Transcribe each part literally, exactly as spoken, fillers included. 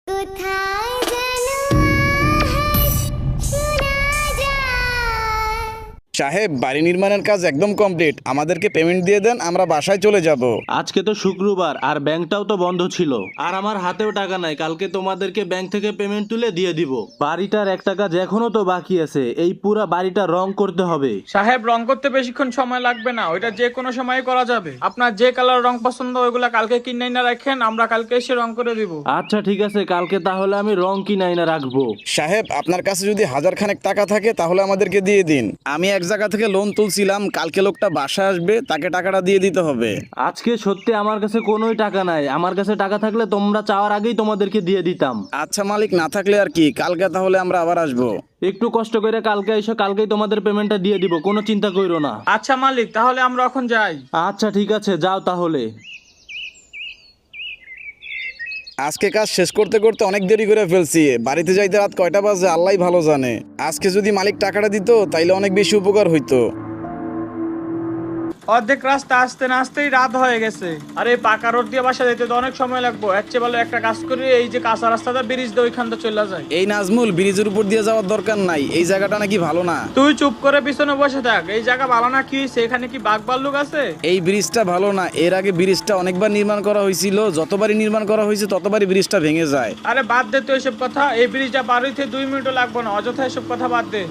কোথায় যেন আওয়াজ শোনা যায়। সাহেব, বাড়ি নির্মাণের কাজ একদম কমপ্লিট। আমাদেরকে পেমেন্ট দিয়ে দেন, আমরা বাসায় চলে যাব। আজকে তো শুক্রবার আর ব্যাংকটাও তো বন্ধ ছিল, আর আমার হাতেও টাকা নাই। কালকে তোমাদেরকে ব্যাংক থেকে পেমেন্ট তুলে দিয়ে দিব। বাড়িটার একটা কাজ এখনো তো বাকি আছে, এই পুরা বাড়িটা রং করতে হবে। সাহেব, রং করতে বেশিক্ষণ সময় লাগবে না, ওইটা যে কোনো সময় করা যাবে। আপনার যে কালার রং পছন্দ ওইগুলা কালকে কিনে না রাখেন, আমরা কালকে এসে রং করে দিব। আচ্ছা ঠিক আছে, কালকে তাহলে আমি রং কিনাই না রাখবো। সাহেব, আপনার কাছে যদি হাজার খানেক টাকা থাকে তাহলে আমাদেরকে দিয়ে দিন। আমি এক জায়গা থেকে লোন তুলছিলাম, কালকে লোকটা বাসায় আসবে, তাকে টাকাটা দিয়ে দিতে হবে। আজকে সত্যি আমার কাছে কোনোই টাকা নাই। আমার কাছে টাকা থাকলে তোমরা চাওয়ার আগেই তোমাদেরকে দিয়ে দিতাম। আচ্ছা মালিক, না থাকলে আর কি, কালকে তাহলে আমরা আবার আসবো। একটু কষ্ট করে কালকে এসো, কালকেই তোমাদের পেমেন্টটা দিয়ে দিব, কোনো চিন্তা করো না। আচ্ছা মালিক, তাহলে আমরা এখন যাই। আচ্ছা ঠিক আছে, যাও তাহলে। আজকে কাজ শেষ করতে করতে অনেক দেরি করে ফেলছি। বাড়িতে যাইতে রাত কয়টা বাজে আল্লাহ ভালো জানে। আজকে যদি মালিক টাকাটা দিত তাইলে অনেক বেশি উপকার হইতো। অর্ধেক রাস্তা আসতে না আসতেই রাত হয়ে গেছে। আর এই পাকা রোড দিয়ে বাসা যেতে তো অনেক সময় লাগবে। এর চেয়ে ভালো একটা কাজ করি, এই যে কাঁচা রাস্তাটা ব্রিজ দিয়ে ওইখানটা চলে যায়। এই নাজমুল, ব্রিজের উপর দিয়ে যাওয়ার দরকার নাই, এই জায়গাটা নাকি ভালো না। তুই চুপ করে পিছনে বসে থাক। এই জায়গা ভালো না কি হয়েছে? এখানে কি বাঘ ভাল্লুক আছে? এই ব্রিজটা ভালো না। এর আগে ব্রিজটা অনেকবার নির্মাণ করা হয়েছিল, যতবারই নির্মাণ করা হয়েছে ততবারই ব্রিজটা ভেঙে যায়। আরে বাদ দে তো এসব কথা। এই ব্রিজটা পার হইতে দুই মিনিটও লাগবে না, অযথা এসব কথা বাদ দে।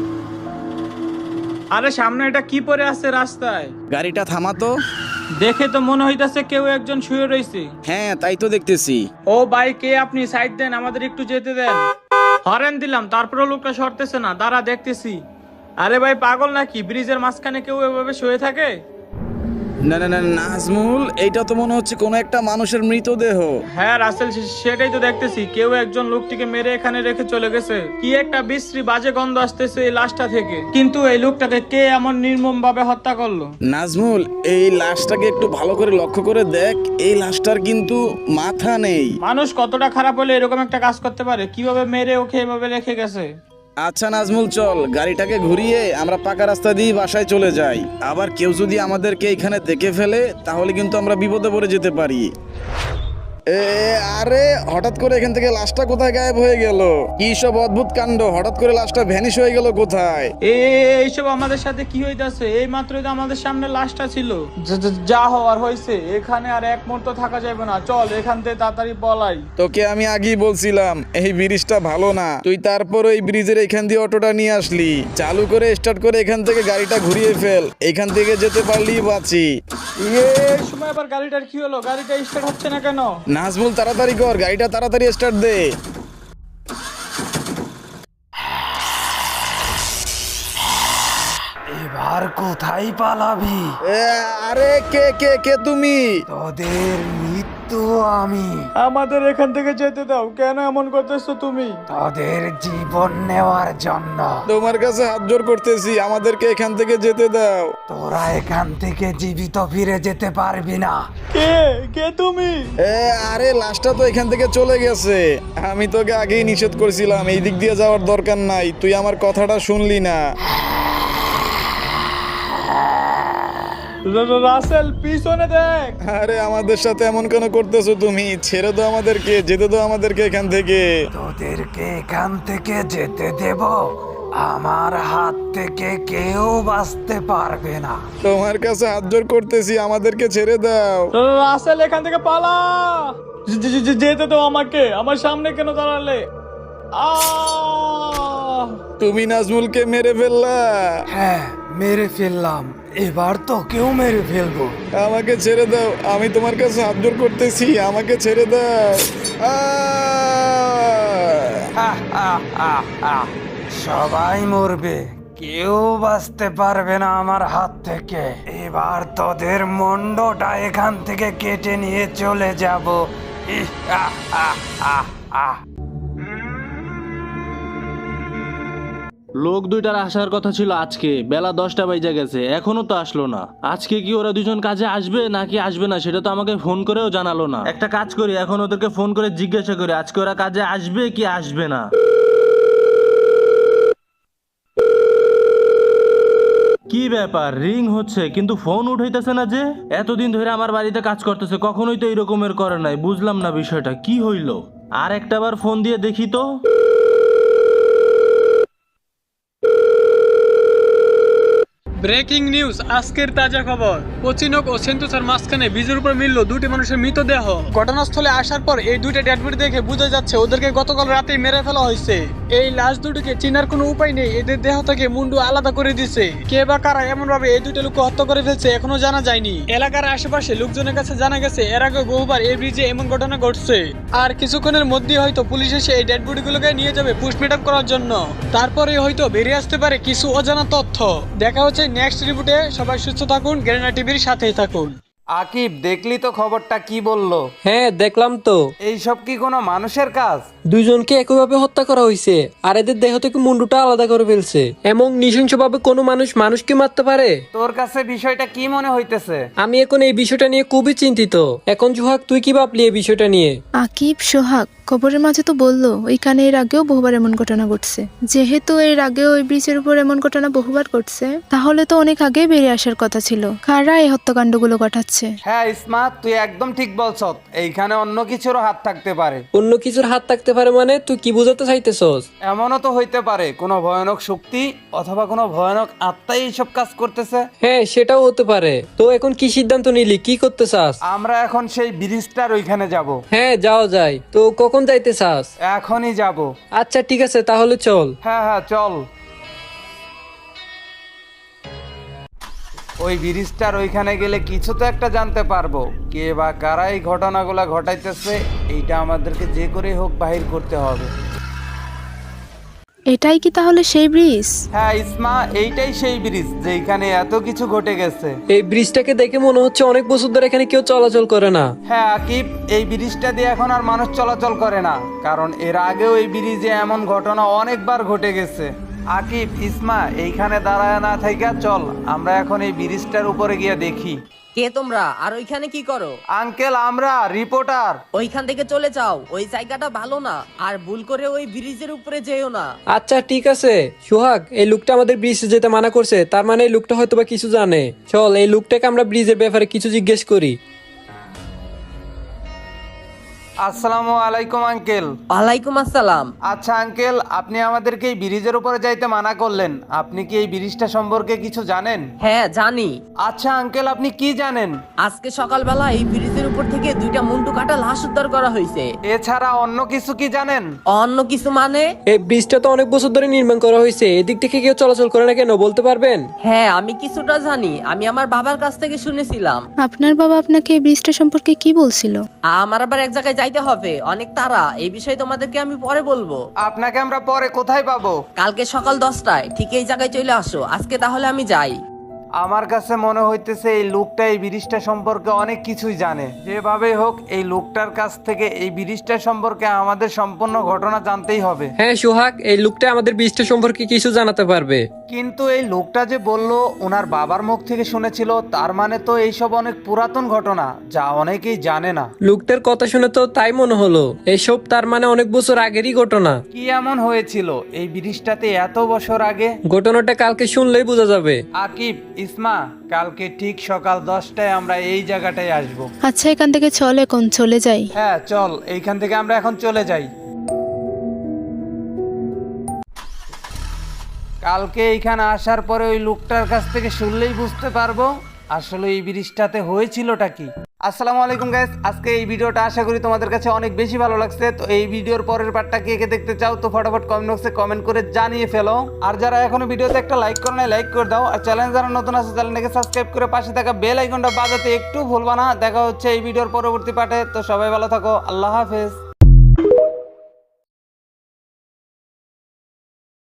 আরে সামনে এটা কি পড়ে আছে রাস্তায়? গাড়িটা থামাতো। দেখে তো মনে হইতাছে কেউ একজন শুয়ে রয়েছে। হ্যাঁ, তাই তো দেখতেছি। ও ভাই, কে আপনি? সাইড দেন, আমাদের একটু যেতে দেন। হরেন দিলাম, তারপরেও লোকটা সরতেছে না। দাঁড়া, দেখতেছি। আরে ভাই, পাগল নাকি? ব্রিজের মাঝখানে কেউ এভাবে শুয়ে থাকে? না না না নাজমুল, এইটা তো মনে হচ্ছে কোনো একটা মানুষের মৃতদেহ। হ্যাঁ রাসেল, সে- সেটাই তো দেখতেছি। কেউ একজন লোকটিকে মেরে এখানে রেখে চলে গেছে। কি একটা বিশ্রী বাজে গন্ধ আসতেছে এই লাশটা থেকে। কিন্তু এই লোকটাকে কে এমন নির্মম ভাবে হত্যা করলো? নাজমুল, এই লাশটাকে একটু ভালো করে লক্ষ্য করে দেখ। এই লাশটার কিন্তু মাথা নেই। মানুষ কতটা খারাপ হলে এরকম একটা কাজ করতে পারে? কিভাবে মেরে ওকে এভাবে রেখে গেছে? আচ্ছা নাজমুল, চল গাড়িটাকে ঘুরিয়ে আমরা পাকা রাস্তা দিয়ে বাসায় চলে যাই। আবার কেউ যদি আমাদেরকে এখানে দেখে ফেলে তাহলে কিন্তু আমরা বিপদে পড়ে যেতে পারি। এ আরে, হঠাৎ করে এখান থেকে লাশটা কোথায় গায়েব হয়ে গেল? কি সব অদ্ভুত কাণ্ড! হঠাৎ করে লাশটা ভ্যানিশ হয়ে গেল কোথায়? এ এইসব আমাদের সাথে কি হইতাছে? এই মাত্রই তো আমাদের সামনে লাশটা ছিল। যা- যা- যা হওয়ার হয়েছে, এখানে আর এক মুহূর্ত থাকা যাবে না। চল এখান থেকে তাড়াতাড়ি পলাই। তোকে আমি আগেই বলছিলাম এই ব্রিজটা ভালো না। তুই তারপর ওই ব্রিজের এখান দিয়ে অটোটা নিয়ে আসলি। চালু করে স্টার্ট করে এখান থেকে গাড়িটা ঘুরিয়ে ফেল, এখান থেকে যেতে পারলেই বাঁচি। এই সময় আবার গাড়িটার কি হলো? গাড়িটা স্টার্ট হচ্ছে না কেন? নাজমুল, তাড়াতাড়ি কর, গাড়িটা তাড়াতাড়ি স্টার্ট দে। এবার কোথায় পালাবি? এ, আরে কে কে কে তুমি? তোদের মৃত্যু আমি। আমাদের এখান থেকে যেতে দাও। কেন এমন করতেছো তুমি? তোদের জীবন নেওয়ার জন্য। তোমার কাছে হাত জোর করতেছি, আমাদেরকে এখান থেকে যেতে দাও। তোরা এখান থেকে জীবিত ফিরে যেতে পারবি না। কে কে তুমি? এ আরে, লাশটা তো এখান থেকে চলে গেছে। আমি তোকে আগেই নিষেধ করছিলাম এই দিক দিয়ে যাওয়ার দরকার নাই, তুই আমার কথাটা শুনলি না। রা- রা- রাসেল, পিছনে দেখ। আরে আমাদের সাথে এমন কেন করতেছো তুমি? ছেড়ে দাও আমাদেরকে, যেতে দাও আমাদেরকে এখান থেকে। তোদেরকে এখান থেকে যেতে দেব? আমার হাত থেকে কেউ বাঁচতে পারবে না। তোমার কাছে হাত জোর করতেছি, আমাদেরকে ছেড়ে দাও। রা- রাসেল, এখান থেকে পালা। যে- যে- যে- যেতে দাও আমাকে। আমার সামনে কেন দাঁড়ালে? আহ! তুমি নাজমুলকে মেরে ফেললা। হ্যাঁ, মেরে ফেললাম। এবার তো কেউ মেরে ফেলবো। আমাকে ছেড়ে দাও, আমি তোমার কাছে হাত জোর করতেছি, আমাকে ছেড়ে দাও। আহ! সবাই মরবে, কেউ বাঁচতে পারবে না আমার হাত থেকে। এবার তোদের মুন্ডটা এখান থেকে কেটে নিয়ে চলে যাব। ইহ, আহ, আহ, আহ, আহ। লোক দুইটার আসার কথা ছিল আজকে, বেলা দশটা বাজে গেছে, এখনো তো আসলো না। আজকে কি ওরা দুজন কাজে আসবে নাকি আসবে না সেটা তো আমাকে ফোন করেও জানালো না। একটা কাজ করি, এখন ওদেরকে ফোন করে জিজ্ঞাসা করি আজকে ওরা কাজে আসবে কি আসবে না। কি ব্যাপার, রিং হচ্ছে কিন্তু ফোন উঠাইতেছে না যে? এতদিন ধরে আমার বাড়িতে কাজ করতেছে, কখনোই তো এরকমের করে নাই। বুঝলাম না বিষয়টা কি হইলো। আর একটা বার ফোন দিয়ে দেখি তো। ব্রেকিং নিউজ, আজকের তাজা খবর। কোচিনক ও সেন্টোসার মাঝখানে ব্রিজের উপর মিলল দুটি মানুষের মৃতদেহ। ঘটনাস্থলে আসার পর এই দুইটা ডেড বডি দেখে বোঝা যাচ্ছে ওদেরকে গতকাল রাতেই মেরে ফেলা হয়েছে। এই লাশ দুটিকে চেনার কোনো উপায় নেই, এদের দেহ থেকে মুন্ডু আলাদা করে দিছে। কে বা কারা এমন ভাবে এই দুটো লোককে হত্যা করে ফেলছে এখনো জানা যায়নি। এলাকার আশেপাশে লোকজনের কাছে জানা গেছে এর আগে বহুবার এই ব্রিজে এমন ঘটনা ঘটছে। আর কিছুক্ষণের মধ্যেই হয়তো পুলিশ এসে এই ডেড বডিগুলোকে নিয়ে যাবে পোস্টমর্টম করার জন্য। তারপরে হয়তো বেরিয়ে আসতে পারে কিছু অজানা তথ্য। দেখা হচ্ছে নেক্সট রিপোর্টে। সবাই সুস্থ থাকুন, গ্যারেনা টিভির সাথেই থাকুন। আকিব, দেখলি তো খবরটা কি বললো? হ্যাঁ দেখলাম তো। এইসব কি কোনো মানুষের কাজ? দুইজনকে একইভাবে হত্যা করা হয়েছে আর এদের দেহ থেকে মুন্ডুটা আলাদা করে ফেলছে। এমন নৃশংসভাবে কোনো মানুষ মানুষকে মারতে পারে? তোর কাছে বিষয়টা কি মনে হইতেছে? আমি এখন এই বিষয়টা নিয়ে খুবই চিন্তিত। এখন জুহাক, তুই কি ভাবলি এই বিষয়টা নিয়ে? আকিব, সোহাগ খবরের মাঝে তো বললো ওইখানে এর আগেও বহুবার এমন ঘটনা ঘটছে। যেহেতু এর আগেও ওই ব্রিজের উপর এমন ঘটনা বহুবার ঘটছে, তাহলে তো অনেক আগে বেরিয়ে আসার কথা ছিল। কারা এই হত্যাকাণ্ডগুলো ঘটাচ্ছে? হ্যাঁ ইসমা, তুই একদম ঠিক বলছ। এইখানে অন্য কিছুরও হাত থাকতে পারে। অন্য কিছুর হাত থাকতে পারে মানে তুই কি বোঝাতে চাইতেছস? এমনও তো হইতে পারে কোনো ভয়ানক শক্তি অথবা কোনো ভয়ানক আত্মাই এইসব কাজ করতেছে। হ্যাঁ সেটাও হতে পারে। তো এখন কি সিদ্ধান্ত নিলি, কি করতে চাস? আমরা এখন সেই ব্রিজটার ওইখানে যাব। হ্যাঁ যাওয়া যায়। তো কখন যাইতে চাস? এখনই যাব। আচ্ছা ঠিক আছে, তাহলে চল। হ্যাঁ হ্যাঁ চল। ওই ব্রিজটার ওইখানে গেলে কিছু তো একটা জানতে পারবো। কে বা কারা এই ঘটনাগুলা ঘটাইতেছে, এইটা আমাদেরকে যে করে হোক বাহির করতে হবে। এটাই কি তাহলে সেই ব্রিজ? হ্যাঁ ইসমা, এইটাই সেই ব্রিজ যেখানে এত কিছু ঘটে গেছে। এই ব্রিজটাকে দেখে মনে হচ্ছে অনেক বছর ধরে এখানে কেউ চলাচল করে না। হ্যাঁ আকিব, এই ব্রিজটা দিয়ে এখন আর মানুষ চলাচল করে না, কারণ এর আগেও এই ব্রিজে এমন ঘটনা অনেকবার ঘটে গেছে। আকিব, ইসমা, এইখানে দাঁড়ায় না থাইকা চল আমরা এখন এই ব্রিজটার উপরে গিয়ে দেখি। কে তোমরা আর ওইখানে কি করো? আঙ্কেল, আমরা রিপোর্টার। ওইখান থেকে চলে যাও, ওই জায়গাটা ভালো না। আর ভুল করে ওই ব্রিজের উপরে যেও না। আচ্ছা ঠিক আছে সোহাগ, এই লোকটা আমাদের ব্রিজে যেতে মানা করছে, তার মানে এই লোকটা হয়তো বা কিছু জানে। চল এই লোকটাকে আমরা ব্রিজের ব্যাপারে কিছু জিজ্ঞেস করি। আসসালামু আলাইকুম আঙ্কেল। ওয়ালাইকুম আসসালাম। আচ্ছা আঙ্কেল, আপনি আমাদেরকে এই ব্রিজের উপরে যাইতে মানা করলেন, আপনি কি এই ব্রিজটা সম্পর্কে কিছু জানেন? হ্যাঁ জানি। আচ্ছা আঙ্কেল, আপনি কি জানেন? আজকে সকালবেলা এই ব্রিজের উপর থেকে দুইটা মুন্ডু কাটা লাশ উদ্ধার করা হয়েছে। এছাড়া অন্য কিছু কি জানেন? অন্য কিছু মানে? এই ব্রিজটা তো অনেক বছর ধরে নির্মাণ করা হয়েছে, এদিক থেকে কেউ চলাচল করে না কেন বলতে পারবেন? হ্যাঁ আমি কিছুটা জানি, আমি আমার বাবার কাছ থেকে শুনেছিলাম। আপনার বাবা আপনাকে এই ব্রিজটা সম্পর্কে কি বলছিল? আমার আবার এক জায়গায় যাইতে হবে, অনেক তাড়া। এই বিষয়ে তোমাদেরকে আমি পরে বলবো। আপনাকে আমরা পরে কোথায় পাবো? কালকে সকাল দশটায় ঠিক এই জায়গায় চলে আসো। আজকে তাহলে আমি যাই। আমার কাছে মনে হইতেছে এই লোকটা এই ব্রিজটা সম্পর্কে অনেক কিছুই জানে। যেভাবে হোক এই লোকটার কাছ থেকে এই ব্রিজটা সম্পর্কে আমাদের সম্পূর্ণ ঘটনা জানতেই হবে। হ্যাঁ সোহাগ, এই লোকটা আমাদের ব্রিজটা সম্পর্কে কিছু জানাতে পারবে। কিন্তু এই লোকটা যে বললো ওনার বাবার মুখ থেকে শুনেছিল, তার মানে তো এইসব অনেক পুরাতন ঘটনা যা অনেকেই জানে না। লোকটার কথা শুনে তো তাই মনে হলো, এসব তার মানে অনেক বছর আগেরই ঘটনা। কি এমন হয়েছিল এই ব্রিজটাতে এত বছর আগে? ঘটনাটা কালকে শুনলেই বোঝা যাবে। আকিব, ইসমা, কালকে ঠিক সকাল দশটায় আমরা এই জায়গাটায় আসবো। আচ্ছা এখান থেকে চল, এখন চলে যাই। হ্যাঁ চল, এইখান থেকে আমরা এখন চলে যাই। কালকে এইখানে আসার পরে ওই লোকটার কাছ থেকে শুনলেই বুঝতে পারবো আসলে এই ব্রিজটাতে হয়েছিলটা কি। আসসালামু আলাইকুম গাইস, আজকে এই ভিডিওটা আশা করি তোমাদের কাছে অনেক বেশি ভালো লাগছে। তো এই ভিডিওর পরের পার্টটা কে কে দেখতে চাও তো ফটাফট কমেন্ট বক্সে কমেন্ট করে জানিয়ে ফেলো। আর যারা এখনো ভিডিওতে একটা লাইক করো না, লাইক করে দাও। আর চ্যানেল যারা নতুন আছে চ্যানেলটাকে সাবস্ক্রাইব করে পাশে থাকা বেল আইকনটা বাজাতে একটু ভুলবা না। দেখা হচ্ছে এই ভিডিওর পরবর্তী পার্টে। তো সবাই ভালো থাকো, আল্লাহ হাফেজ।